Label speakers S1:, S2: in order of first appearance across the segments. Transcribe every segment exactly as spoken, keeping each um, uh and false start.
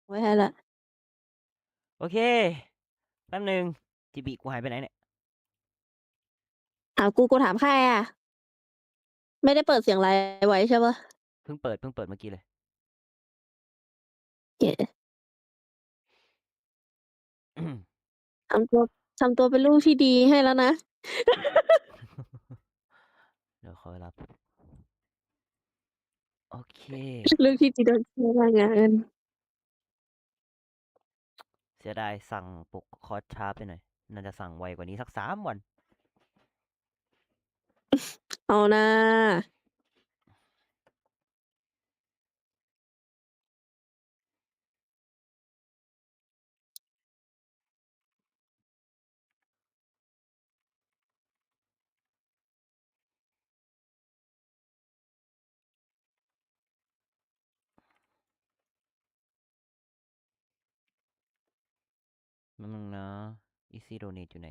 S1: ไว้ให้ละ
S2: โอเคแป๊บหนึ่งจีบีกูหายไปไหนเนี่ย
S1: อ้าวกูกูถามใครอ่ะไม่ได้เปิดเสียงไลฟ์ไว้ใช่ปะ
S2: เพิ่งเปิดเพิ่งเปิดเมื่อกี้เลย
S1: เก๋ทำตัวทำตัวเป็นลูกที่ดีให้แล้วนะ
S2: เดี๋ยวขอรับโอเค
S1: ลูกที่ดีโดนใช้แรงงาน
S2: เสียดายสั่งปลุกคอร์สช้าไปหน่อยน่าจะสั่งไวกว่านี้สักสามวัน
S1: เอานะ
S2: นั่นนึงนะ Easy Donate อยู่ไหน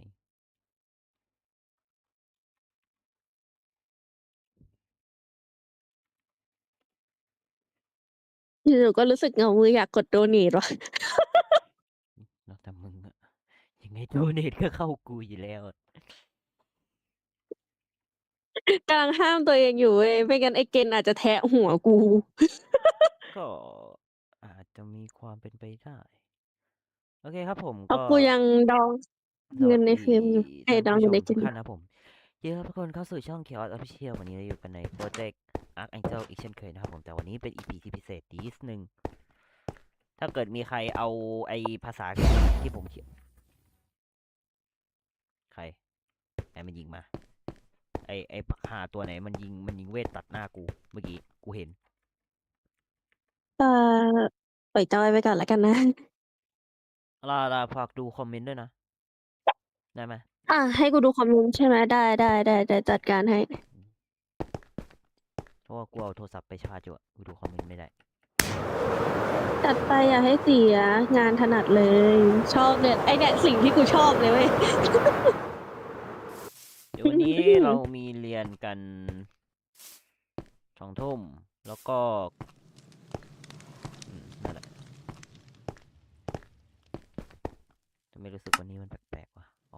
S1: อยู่ๆก็รู้สึกเหงามืออยากกดโดเนทว่ะ
S2: แล้วแต่มึงอะยังไง Donate ก็เข้ากูอยู่แล้วอะ
S1: กำลังห้ามตัวเองอยู่เว้ยไม่งั้นไอ้เกณฑ์อาจจะแทะหัวกู
S2: ก็อาจจะมีความเป็นไปได้โอเคครับผม
S1: เพราะ
S2: ก็
S1: กูยังดอง
S2: สวัส
S1: เงินใน
S2: ดี
S1: เฟรมอยู่ไอ้
S2: ท่าน
S1: ดอง
S2: ผู้ชม
S1: อยู่ในเกณฑ์
S2: ทุกท่านนะครับผมยินดีต้อนรับทุกคนเข้าสู่ช่อง Chaos Official วันนี้เราอยู่กันในโปรเจกต์ Archangel อีกเช่นเคยนะครับผมแต่วันนี้เป็น อี พี ที่พิเศษนิดนึง ถ้าเกิดมีใครเอาไอภาษาที่ผมเขียนใครไอมันยิงมาไอไอหาตัวไหนมันยิงมันยิงเวทตัดหน้ากูเมื่อกี้กูเห็น
S1: เอ่อปล่อยจอยไปก่อนแล้วกันนะ
S2: ลาลาฝากดูคอมเมนต์ด้วยนะได้ไหม
S1: อ่ะให้กูดูคอมเมนต์ใช่ไหมได้ได้ได้ได้จัดการให้
S2: เพราะว่ากูเอาโทรศัพท์ไปชาร์จอยู่อะกูดูคอมเมนต์ไม่ได้
S1: จัดไปอย่าให้เสียงานถนัดเลย ชอบเนี่ยไอเนี่ยสิ่งที่กูชอบเลยเว้ย
S2: เดี๋ยววันนี้เรามีเรียนกันสองทุ่มแล้วก็อืมนั่นแหละทำไมรู้สึกวันนี้มันแปลกๆวะอ๋อ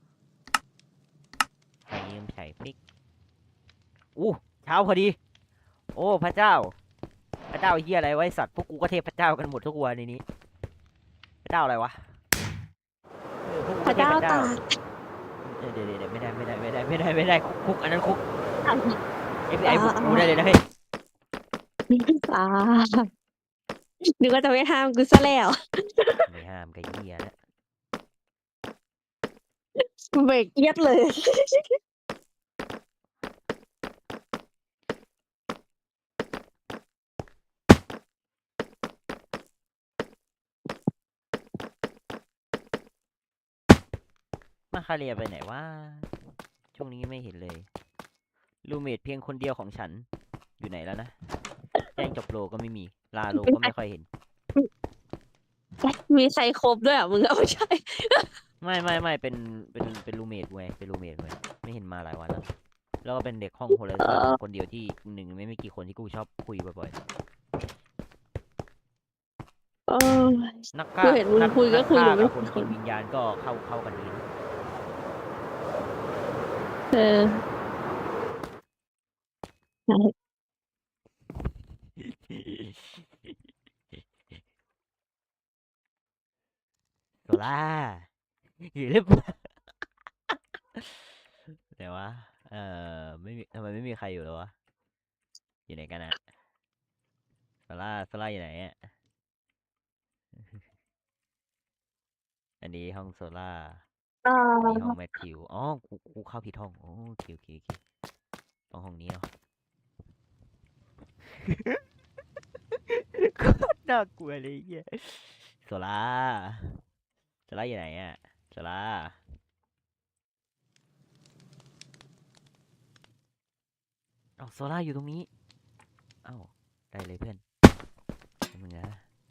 S2: ใครยืมใส่ฟิกอู้เช้าพอดีโอ้พระเจ้าพระเจ้าเฮียอะไรไว้สัตว์พวกกูก็เทพพระเจ้ากันหมดทุกวันในนี้พระเจ้าอะไรวะเออพวกกูก็
S1: พระเจ้า
S2: เทพพระเจ้า
S1: ตาก
S2: เดี๋ยวเดี๋ยวเดี๋ยวไม่ได้ไม่ได้ไม่ได้ไม่ได้ไม่ได้คุกคุกอันนั้นคุก
S1: อ่ะ
S2: เอฟ บี ไอ
S1: อ่า
S2: บุก
S1: อ่า
S2: กูได้เลยนะเฮ้ย
S1: อ่านึกว่าจะไม่ห้ามกูซะแล้ว
S2: ไม่ห้ามกับเหี้ยแล้ว
S1: เบรกเอียดเลย
S2: มาคาเรียไปไหนวะช่วงนี้ไม่เห็นเลยรูเมทเพียงคนเดียวของฉันอยู่ไหนแล้วนะแจ้งจบโลก็ไม่มีลาโลก็ไม่ค่อยเห็น
S1: มีใครครบด้วยอ่ะมึงเอาไม่ใช่
S2: ไม่ไม่ไม่เป็นเป็นเป็นรูเมทเว้ยเป็นรูเมทเว้ยไม่เห็นมาหลายวันแล้วแล้วก็เป็นเด็กห้องโฮเล
S1: เอ
S2: เซอร์
S1: อ
S2: คนเดียวที่หนึ่งไม่ไม่กี่คนที่กูชอบคุยบ่อย
S1: เออ
S2: ๆนักฆ่า
S1: กูเห็นมึง
S2: นัก
S1: คุย
S2: นักฆ่า
S1: ก็คุยอยู่ไม่
S2: กับคน
S1: กี่คน
S2: กินวิญญาณก็เข้าเข้ากันดีนะ
S1: เออใช่
S2: โซล่าอยู่หรือเปล่าแต่ว่าเออไม่มีทำไมไม่มีใครอยู่เลยวะอยู่ไหนกันอะโซล่าโซล่าอยู่ไหนอะอันนี้ห้องโซล่า
S1: เอ
S2: อันนี้ห้อง
S1: อ
S2: แมทธิวอ๋อกูกูเข้าผิดห้องโอ้โอเคโอเคโอเคต้องห้องนี้เนาะโคตรน่ากลัวเลยเฮียโซล่าโซล่าอยู่ไหนอะโซล่าเอ้าโซล่าอยู่ตรงนี้เอ้าได้เลยเพื่อนมึงนะ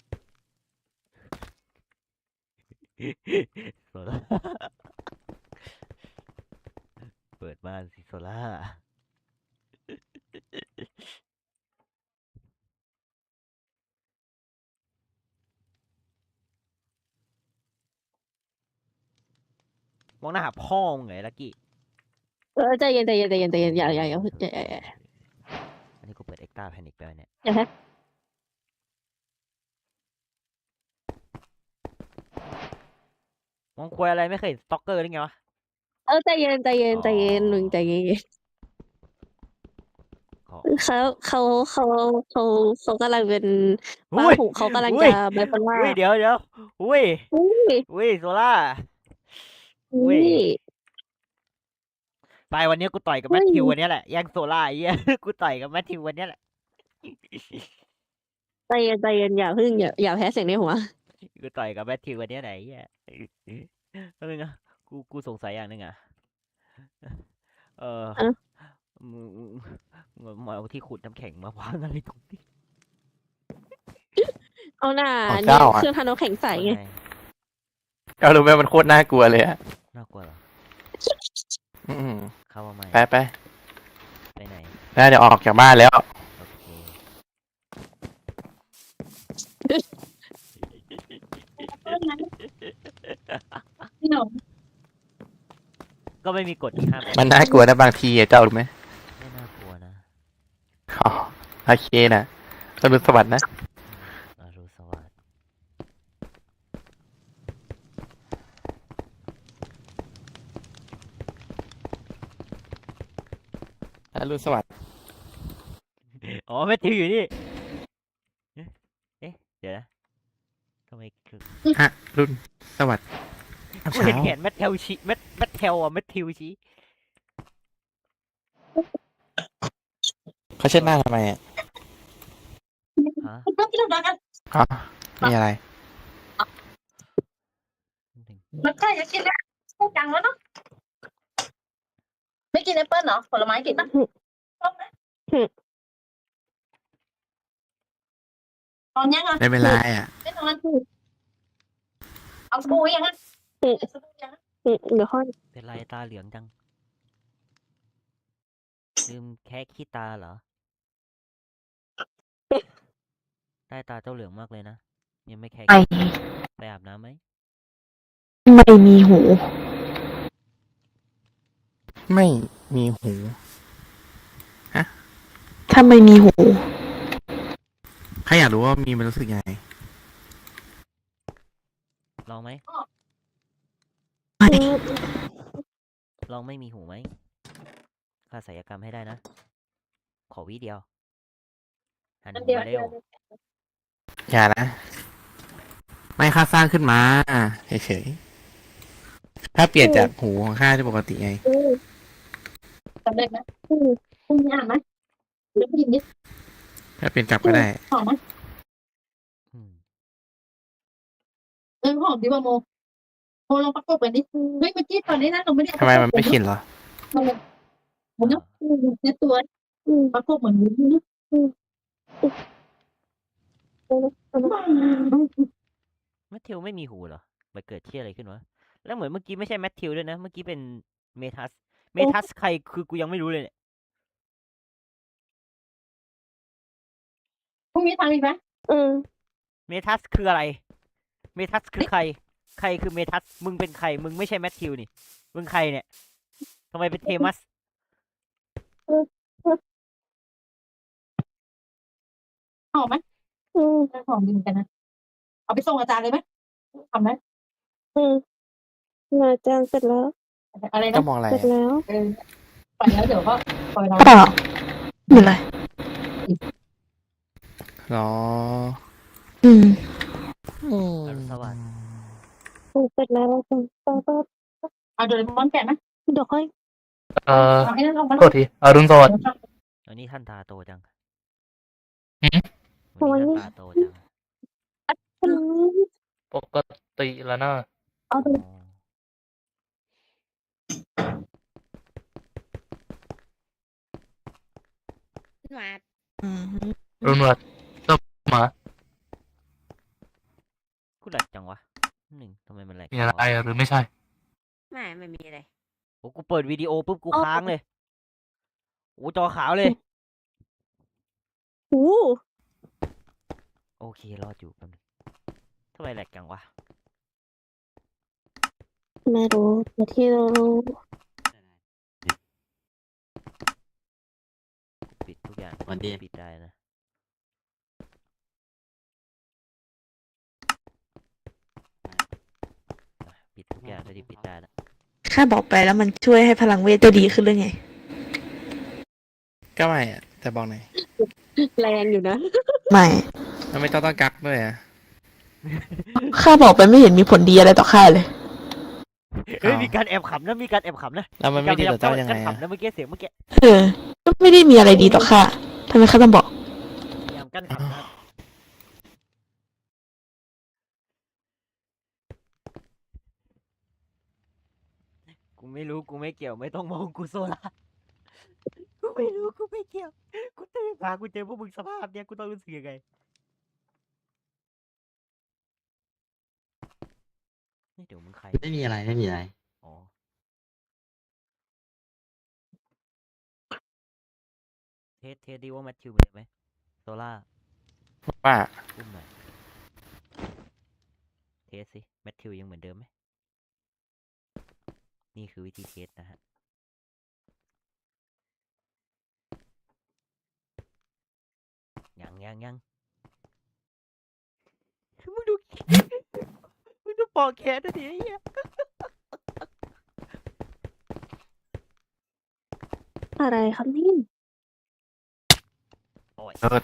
S2: โซล่าเปิดบ้านสิโซล่ามองหน้าหาพ่อมึงไงลักกี้
S1: เออใจเย็นใจเย็นใจเย็นใจเย็นอย่าอย่าอย่าอย่าอย่าอย่า
S2: อันนี้กูเปิดเอ็กซ์ตร้าแพนิคไปวะเนี่ย
S1: อย่าแพ้
S2: มองควยอะไรไม่เคยเห็นสต็อกเกอร์ได้ไงวะ
S1: เออใจเย็นใจเย็นใจเย็น
S2: อ๋อ
S1: มึงใจเย็น
S2: ขอ
S1: เขาเขาเขาเขาเขากำลังเป็น
S2: อุ้
S1: ป้าย หูเขากำลัง
S2: อุ้
S1: จะ
S2: ย
S1: ไบโพล่า
S2: อุ้ยเดี๋ยวเดี๋ยวอุ้ย
S1: อุ้ย
S2: อุ้ยโซล่า อุ้
S1: อุ้
S2: ย
S1: ย
S2: ไปวันนี้กูต่อยกับ
S1: อุ้
S2: แม
S1: ย
S2: ทธิววันนี้แหละแย่งโซล่าไอ้เหี้ย กูต่อยกับแมทธิววันนี้แหละ
S1: ใจเย็นใจเย็นอย่าพึ่งอย่าอย่าแพ้เสียงในหัว
S2: กูต่อยกับแมทธิววันนี้ไหนไอ้เหี้ยแป๊บนึงนะกูกูสงสัยอย่างหนึงอ่ะเออ
S1: อะ
S2: มึงมึงมึงมาเอาที่ขุดน้ำแข็งมาวางอะไรตรงนี้
S1: เอาหน้า
S3: ของ
S1: เนี่ย
S3: เจ้าอะ
S1: เครื่องทำน้ำแข็งใสไง
S2: ว่าไง
S3: ก็รู้ไหมมันโคตรน่ากลัวเลยอะ
S2: น่ากลัวเหรอ
S3: อืม
S2: เข้ามาใหม่
S3: ไปไป
S2: ไปไหน
S3: น่าจะออกจากบ้านแล้ว
S2: โอเค
S1: พี่หนุ่ม
S2: ก็ไม่มีกฎห้าม
S3: มันน่ากลัวนะบางทีอะเจ้ารู้ไหม
S2: ไม่น่ากลัวนะ
S3: อ๋อโอเคนะอรุณสวัสดิ์นะ
S2: อรุณสวัสดิ์
S3: อรุณสวัสดิ์
S2: อ๋อแมทธิวอยู่นี่ เอ๊ะเอ๊ะเดี๋ยวนะทำไมคือ
S3: ฮะรุ่นสวัสดิ์
S2: กูเห็นแขนแมทเทลชี้แมทแมทเทลอ่ะแมทธิวชี้
S3: เขาเช็ดหน้าทำไมอ่ะ
S2: ฮะ
S3: อ๋อมีอะไร
S4: มันใกล้จะกินแล้วพูดจังแล้วเนาะไม่กินแอปเปิ้ลเหรอผลไม้กินปะชอบไหมตอนยังอ่ะ
S3: ไม่เป็นไรอ่ะ
S4: ไม่ตอนนั้นเอาสบู่ยังอ่ะ
S1: อืม
S4: สบู่ยังอะ
S1: อืมเดี๋ยวค่อย
S2: เป็นไรตาเหลืองจังลืมแค่ขี้ตาเหรอใต้ตาเจ้าเหลืองมากเลยนะยังไม่แค่
S5: ไม่
S2: ไปอาบน้ำไหม
S5: ไม่มีหู
S3: ไม่มีหู
S5: ถ้าไม่มีหู
S3: ใครอยากรู้ว่ามีมันรู้สึกยังไง
S2: ลองไหม
S5: ไม่
S2: ลองไม่มีหูไหมค่าศัลยกรรมให้ได้นะ ขอวิเดียวหัน
S4: อัน
S2: หู
S4: เดียว
S2: มา
S4: อัน
S2: เร็
S4: เดียว
S2: ว
S3: อย่านะ ไม่ค่าสร้างขึ้นมาเฉยๆถ้าเปลี่ยนจากหูของข้าที่ปกติไง
S1: อืม
S4: สำเร็จไหม
S1: อืม
S4: คุณอ่านไหมเดี๋ยวกินดิ
S3: ถ้าเปลี่ยนกลับก็ได้
S4: หอมไหม
S2: อืม
S4: เออหอมดีว่าโมโมลองประกบกันดิเฮ้ยเมื่อกี้ตอนนี้นะเราไม่ได้
S3: ทำไมมันไม่ชินเหรอ
S4: มันเป็นเหมือนเนาะในตัว
S1: อืม
S4: ประกบเหมือนวุ้นเนาะ
S2: แมทธิวไม่มีหูเหรอมันเกิดที่อะไรขึ้นวะแล้วเหมือนเมื่อกี้ไม่ใช่แมทธิวด้วยนะเมื่อกี้เป็นเมทัสเมทัสใครคือกูยังไม่รู้เลยเนี่ย
S4: พรุ่งนี้ทำอีกไหม
S1: อืม
S2: เมทัสคืออะไร เมทัสคือใคร ใครคือเมทัส มึงเป็นใคร มึงไม่ใช่แมทธิวนี่ มึงใครเนี่ย ทำไมเป็นเทมัส
S4: หอมไหม
S1: อืม
S4: หอมดีเหมือนกันนะเอาไปส่งอาจารย์เลยไหมทำไหม
S1: อืมอาจารย์เสร็จแล้ว
S4: อะไร
S3: ก็
S4: นะ
S3: มองอะไร
S1: เสร็จ
S3: อะ
S1: แล้ว
S4: เออไปแล้วเดี๋ยวก็คอยเรา
S5: ก็ไม่เป็นไร
S3: หรอ
S5: อืม
S3: อืม
S2: อรุณสวัสดิ์
S1: เสร็จแล้วอาจารย์ต่อต่อ
S4: เอาโดเรมอนแกะไหม
S1: เดี๋ยวค่อย
S6: เอ่อ
S4: เอาให้นั่นลงมา
S6: โทษทีอรุณสวัสดิ์
S2: อันนี้ท่านตาโตจัง
S6: หืม
S2: วันนี้ท่านตาโตจัง
S1: อืม
S6: ปกติแล้วนะ
S1: เอาไป
S2: อ๋อ
S7: หวาด
S5: อืม
S6: อรุณสวัสดิ์ต้มหมา
S2: กูแหลกจังวะ หนึ่งทำไมมันแหลก
S6: มีอะไร
S2: จังวะ
S6: หรือไม่ใช่
S7: ไม่ไม่มีอะไร
S2: โอ้กูเปิดวิดีโอปุ๊บกูค้างเลย โอ้จอขาวเลย
S1: หู
S2: โอเครอดอยู่แป๊บนึงทำไมแหลกจังวะ
S1: ไม่รู้แต่ที่รู้
S2: ปิดทุกอย่าง
S8: วันดี
S2: ปิดได้นะอ่ะปิดทุกอย่างได้ที่ปิดได้แล้ว
S5: ข้าบอกไปแล้วมันช่วยให้พลังเวทจะดีขึ้นหรือไง
S3: ก็ไม่อะแต่บอกหน่อย
S1: แรงอยู่นะ
S5: ไม่
S3: มันไม่ต้องต้องกักด้วยอะ
S5: ข้าบอกไปไม่เห็นมีผลดีอะไรต่อข้าเลย
S2: เฮ้ย
S3: อ้าว
S2: มีการแอบขำนะมีการแอบขำนะ
S3: แล้วมันไม่ดีต่อเจ้ายังไง
S2: การ
S3: อะ
S2: ขำนะเมื่อกี้เสียงเมื่อกี้
S5: เออ ก็ไม่ได้มีอะไรดีต่อข้าทำไมข้าต้องบอก
S2: พยายามกั้นขำนะครับกูไม่รู้กูไม่เกี่ยวไม่ต้องมองกูโซล่ากูไม่รู้กูไม่เกี่ยวกูตื่นมากูเจอพวกมึงสภาพเนี้ยกูต้องรู้สึกยังไงนี่เดี๋ยวมึงใคร
S8: ไม่มีอะไรไม่มีอะไร
S2: อ๋อเทสเทสดีว่าแมทธิวเหมือนเดิมไหมโซล่า
S3: ว่า
S2: อุ้มหน่อยเทสสิแมทธิวยังเหมือนเดิมไหมนี่คือวิธีเทสนะฮะยังยังยังมึงดู มึงดูปอกแขนนะดิไอ้เหี้ย
S1: อะไรครับนี่
S2: โอ้ย
S3: เออ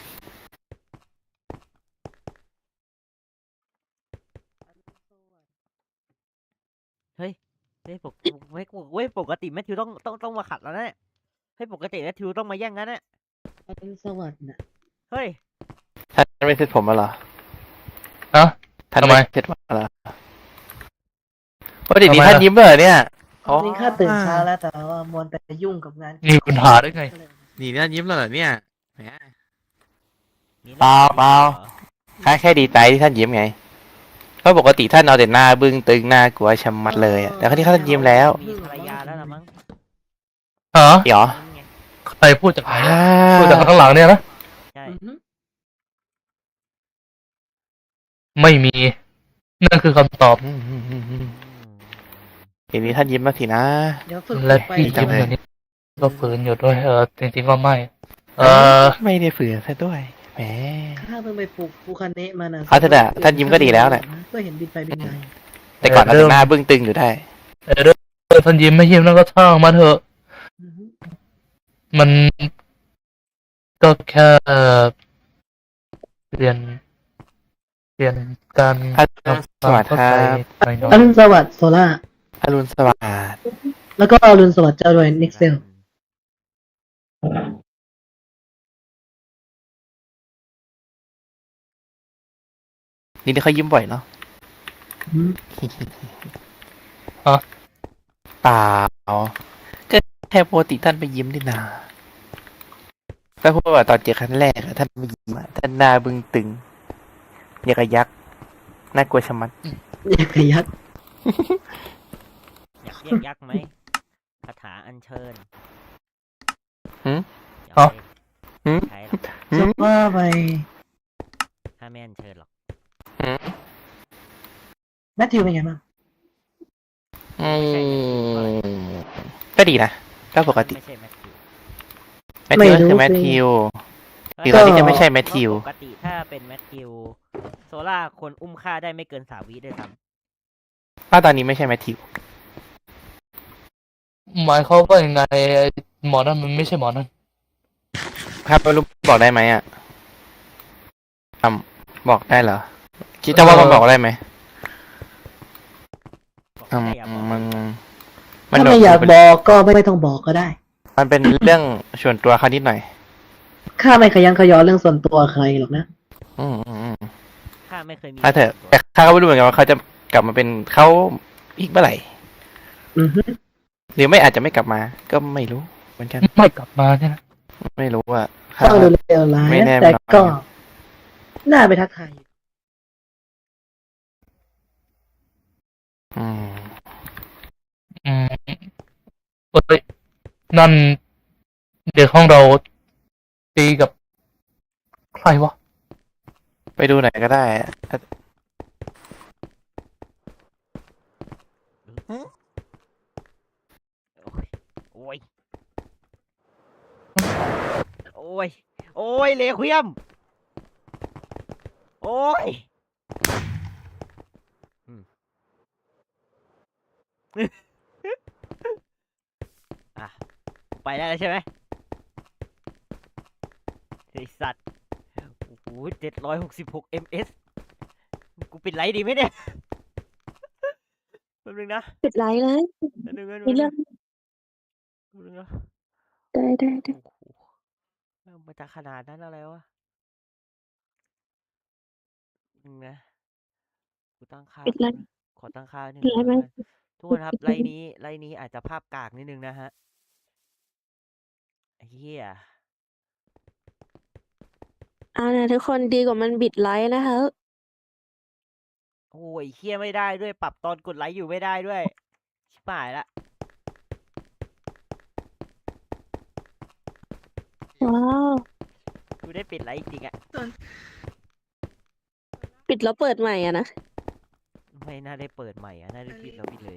S2: เฮ้ยเฮ้ยปกเฮ้ยเว้ยปกติแมทธิวต้องต้องต้องมาขัดแล้วนะเนี่ยเฮ้ยปกติแมทธิวต้องมาแย่งกันนะ
S4: อรุณสวัสดิ์นะ
S2: เฮ้ย
S3: ท่านไม่เซ็ตผมมาเหรอ
S6: ฮะ
S3: ท่าน
S6: ทำไม
S3: ไม่เซ็ตมาเหรอว่าเดี๋ยวนี้
S6: ทำไม
S3: ท่าน
S6: ล่ะ
S3: ยิ้มเหรอเนี่ยอ๋อ
S4: จริงข้าตื่นเช้าแล้วแต่ว่ามัวแต่ยุ่งกับงาน
S6: มีปัญหาได้ไง
S3: นี่ท่านยิ้มแล้วเหรอเนี่ยแหม
S2: มี
S3: เปล่าเปล่า
S2: หรอ
S3: ข้าแค่ดีใจที่ท่านยิ้มไงเพราะปกติท่านเอาแต่หน้าบึ้งตึงหน้ากลัวชะมัดเลยอะแต่ครั้งนี้ท่านยิ้มแล้ว
S2: มีภรรยาแล้วละมั้ง
S6: ฮะ
S3: เดี๋ยว
S2: นี่ไง
S6: ใครพูดจากไหน
S3: อ่า
S6: พูดจากข้างหลังเนี่ยนะ
S2: ใช่
S4: อือฮึ
S6: ไม่มี นั่นคือคำตอบ
S3: อืมอืมอืมอืม
S2: อืม
S3: ทีนี้ท่านยิ้มแล้วสินะ
S4: เดี๋ยวฝึก
S6: และ
S4: ไป
S6: พี่
S3: ดีจั
S6: ยิ้
S3: ง
S6: ม
S3: เลย
S6: อย่างนี้ก็ฝืนอยู่ด้วยเออจริงๆก็ไม่ เออ
S3: ไม่ได้ฝืนซะด้วยแหม
S4: ข้าเพิ่งไปปลูกภูคาเนะมานะ
S3: เอาเถอะนะท่านยิ้มก็ดีแล้วแหละ
S4: ก็เห็นบินไปบินมา
S3: แต่ก่อนเอา
S6: เริ่
S3: แต่
S6: ม
S3: หน้าบึ้งตึงอยู่ได้
S6: เออเรื่องท่านยิ้มไม่ยิ้มแล้วก็ช่างมาเถอะ
S4: อือฮึ
S6: มันก็แค่เรียน เรียนการ
S3: อรุณ
S6: ทำ
S3: สวัสดิ์
S6: เข้า
S3: ครั
S6: ใจ
S3: บ
S6: หน่อย
S4: อรุณสวัสดิ์โซล่า
S3: อรุณสวัสดิ์
S4: แล้วก็อรุณสวัสดิ์เจ้าด้วยนิกเซล
S3: นี่เขายิ้มบ่อยเนาะ
S4: อืม
S3: เปล่าก็แค่ปกติท่านไปยิ้มนี่นาก็พูดว่าตอนเจอครั้งแรกอะท่านไม่ยิ้มอะท่านหน้าบึ้งตึงอย่างกับยักษ์น่ากลัวชะมัด
S4: อยากขยัก
S2: อยากเรียกยักษ์ไหมคาถาอัญเชิญ
S3: หืม
S2: อย่าไป
S3: หืม
S2: ใช้หรอก
S3: หื
S4: จะ
S3: ม
S4: ว่าไป
S2: ถ้าไม่อัญเชิญหรอก
S3: หืม
S4: แมทธิวเป็นไงบ้าง
S3: อืมก็ดีนะก็ปกติ
S2: ไม่ใช่แมทธิว
S3: แมทธิวก็คือแมทธิว คือตอนนี้จะไม่ใช่แมทธิว
S2: ปกติถ้าเป็นแมทธิวโซล่าคนอุ้มฆ่าได้ไม่เกินสามวิด้วยซ้
S3: ถ้าตอนนี้ไม่ใช่แมทธิว
S6: หมายเขามว่ายังไงไอ้หมอนั่นมันไม่ใช่หมอนั่น
S3: ครับไม่รู้บอกได้ไหมอ่ะอ่ำบอกได้เหรอ คิดจะว่ามันบอกได้ไหม
S2: ำบอก
S3: อืม
S2: ได้อย่าบอก
S3: มัน
S4: ถ้าไม่อยากบอกก็ไม่ต้องบอกก็ได้
S3: มันเป็นเรื่องส่วนตัวเขานิดหน่อย
S4: ข้าไม่ขยันขยอเรื่องส่วนตัวใครหรอกนะ
S3: อืมอืมอืม
S2: ข้าไม่เคยมี
S3: ถ้าเถอะแต่ข้าก็ไม่รู้เหมือนกันว่าเขาจะกลับมาเป็นเขาอีกเมื่อไหร่
S4: อือฮึ
S3: หรือไม่อาจจะไม่กลับมา ก็ไม่รู้เหมือนกัน
S6: ไม่กลับมาเนี่ยนะ
S3: ไม่รู้อ่ะ
S4: ฟังดูเลวร้าย
S3: ไม่แน่
S4: นะแต่
S3: นอน
S4: ก็ น่าไปทักทายอยู่
S3: อืม
S6: อืมเอ้ยนั่นเด็กห้องเราตีกับใครวะ
S3: ไปดูไหนอยก็ได้อะ
S2: เออโอ้ย โอ้ย โอ้ย โอ้ยเลควียม โอ้ยอืม อ่ะ ไปได้แล้วใช่ไหมไอสัตว์ โอ้โหเจ็ดร้อยหกสิบหก เอ็ม เอส กูปิดไลท์ดีไหมเนี่ยแป๊บนึงนะ
S1: ปิดไลน์เลย
S2: แป๊บนึงแป๊บนึง
S1: มี
S2: แป๊บนึ
S1: เรื่อง ง
S2: แป๊บนึงนะ
S1: ได้ได้ได้
S2: โอ้โหมันจะขนาดนั้นอะไรวะนึงนะ กูตั้งค่า
S1: ปิดไล
S2: แป๊บ
S1: น์
S2: นึงขอตั้งค่าหนึ่ง
S1: ปิดไล
S2: ก่อน
S1: น์ไหม
S2: แล้วกันทุกคนครับ ไลน์นี้ ไลน์นี้อาจจะภาพกากนิดนึงนะฮะไอ้เหี้ย
S1: เอานะทุกคนดีกว่ามันบิดไลน์นะคะ
S2: โอ้ยเหี้ยไม่ได้ด้วย ปรับตอนกดไลค์อยู่ไม่ได้ด้วย ชิบหายละ
S1: ว้าว
S2: กูได้ปิดไลค์จริงๆอะ
S1: ปิดแล้วเปิดใหม่อะนะ
S2: ไม่น่าได้เปิดใหม่อะน่าได้ปิดแล้วปิดเลย